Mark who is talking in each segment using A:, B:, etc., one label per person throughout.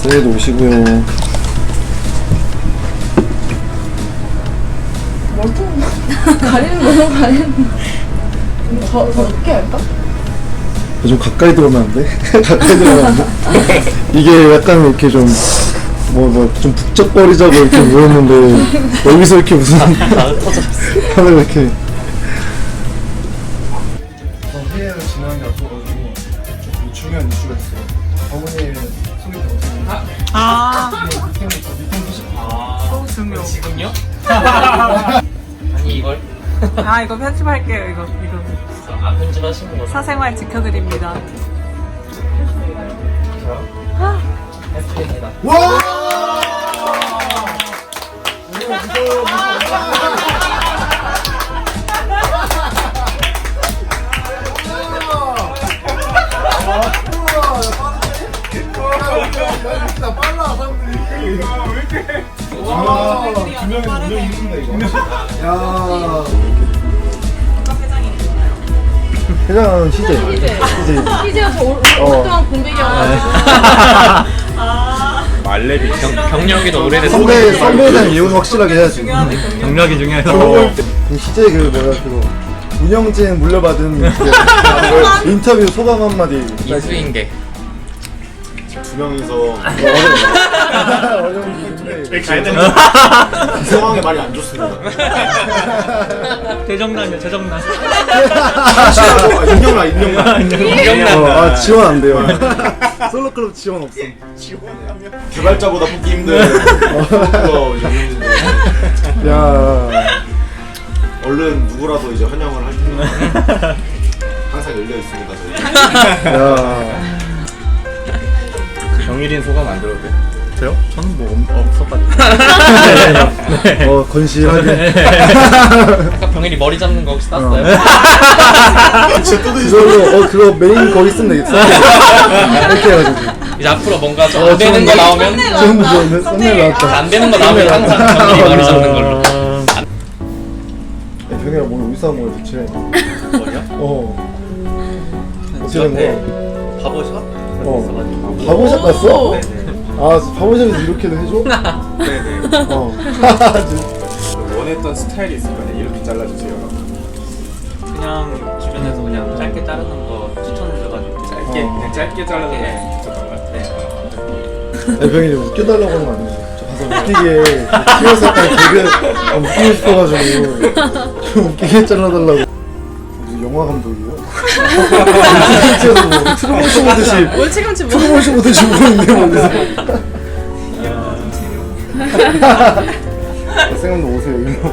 A: 새해도 오시고요.
B: 가리는 너무 가리는. 더 높게 할까?
A: 좀 가까이 들어오면 안 돼? 가까이 들어오면 안 돼? 이게 약간 이렇게 좀 좀 북적거리자고 이렇게 모였는데 여기서 이렇게 무슨 하늘 이렇게 회의를 진행한 게 앞서가지고 좀 중요한 이슈가 있어요. 어머니의 소개 어떻게
C: 중요. 지금요? 아니 이걸?
D: 이거 편집할게요. 이거
C: 안 편집하시는 거죠?
D: 사생활 지켜드립니다.
C: 해프입니다.
A: 와! 빨라 사람들이. 와, 두 명이 이긴다 이거. 야. 회장은 CJ.
B: 희재가 저 오랫동안 공백이어가지고.
E: 말레비
C: 경력이 더 오래됐어.
A: 선배에 대한 이유는 확실하게 해야지.
E: 경력이 중요해서
A: 그럼 CJ 그 뭐야 그거 운영진 물려받은 그 인터뷰 소감 한마디.
C: 이수인계.
E: 두 명이서
A: 어려운 일인데
E: 가야 되는 이 상황에 말이 안 좋습니다.
C: 대정난이요, 대정난.
E: 인정나.
A: 지원 안 돼요. 솔로클럽 지원 없어.
E: 개발자보다 뽑기 힘든 그거 이제 운영진들.
A: 야,
E: 얼른 누구라도 이제 환영을 할 테니까 항상 열려 있습니다 저희.
A: 야.
E: 경일인 소감 안 들어도 돼?
C: 저요? 저는 뭐 없었거든요.
A: 건실하게.
C: 아까 병일이 머리 잡는 거 혹시 땄어요?
A: 그걸로 그거 메인 거기 쓰면 되겠어. 이렇게 해가지고.
C: 이제 앞으로 뭔가 좀 안 되는 거 나오면
A: 지금 좋은데 썸네일 나왔다.
C: 안 되는 거 나오면 항상 병일이 머리 잡는 걸로.
A: 병이랑 오늘 어디서 한 거야 대체?
C: 머리요?
A: 어떻게 된 거야?
C: 바보샵?
A: 바보샵 갔어? 바보샵에서 이렇게도 해줘?
E: 네네. 원했던 스타일이 있을 거 아니야. 이렇게 잘라주세요.
C: 그냥 주변에서 그냥 짧게 자르는 거 추천해줘가지고
E: 그냥 짧게 잘라주면 좋았던 것 같아.
A: 병이 웃겨달라고 하는 거 아니지? 저 가서 웃기게 TV에서 약간 개그 웃기고 싶어가지고 좀 웃기게 잘라달라고. 무슨 영화 감독이에요? 실제로 뭐 트루먼쇼 보듯이
B: 월치감치 뭐.
A: 트루먼쇼 보듯이 보고 있는데 뭔데? 생각도 오세요 이거.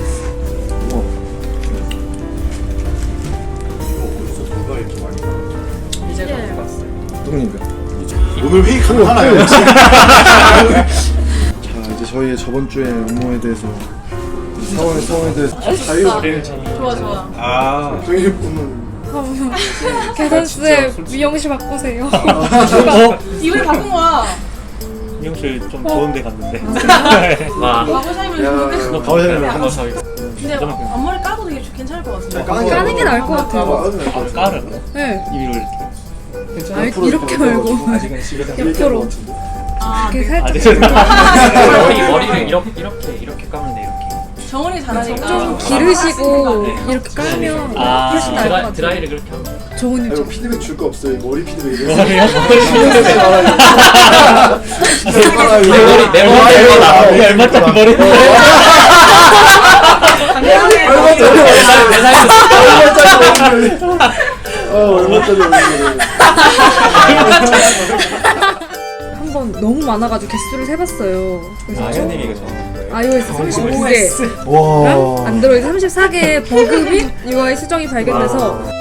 E: 누가 이렇게 많이
C: 이제 갖고 왔어요.
A: 누구인가?
E: 오늘 회의 가능하나요?
A: 자 이제 저희의 저번 주의 업무에 대해서 상황에 대해서 자유.
B: 좋아.
E: 아
A: 저희 분은
F: 계산쌤 미용실 바꾸세요.
B: 이번에 바꾼 거야.
C: 미용실 좀 좋은 데 갔는데. 와.
B: 바보샵이면 좋겠어.
A: 가오샤이면
C: 한번 더
B: 근데 앞머리 까도 되게 괜찮을 것 같은데.
F: 까는 게 나을 것 같아요.
C: 까르.
F: 네.
C: 입으로 이렇게.
F: 아, 이렇게 말고 옆으로 이렇게 살짝
C: 머리를 이렇게 까면 돼 이렇게.
B: 정원이 잘하니까.
F: 좀 기르시고 이렇게 깔면 훨씬 나을 것 같아요.
C: 드라이를 그렇게 하면.
F: 저거는
A: 이거
F: 좀
A: 피드백 줄 거 없어요. 머리 피드백.
C: 머리요?
A: 머리
C: 내 머리 얼마짜리 머리?
A: 얼마짜리
F: 한번 너무 많아가지고 개수를 세봤어요. 그래서 총
C: 형님이 이거 적은 거예요?
F: iOS 39개,
A: 와.
F: 안드로이드 34개의 버그 및 UI 수정이 발견돼서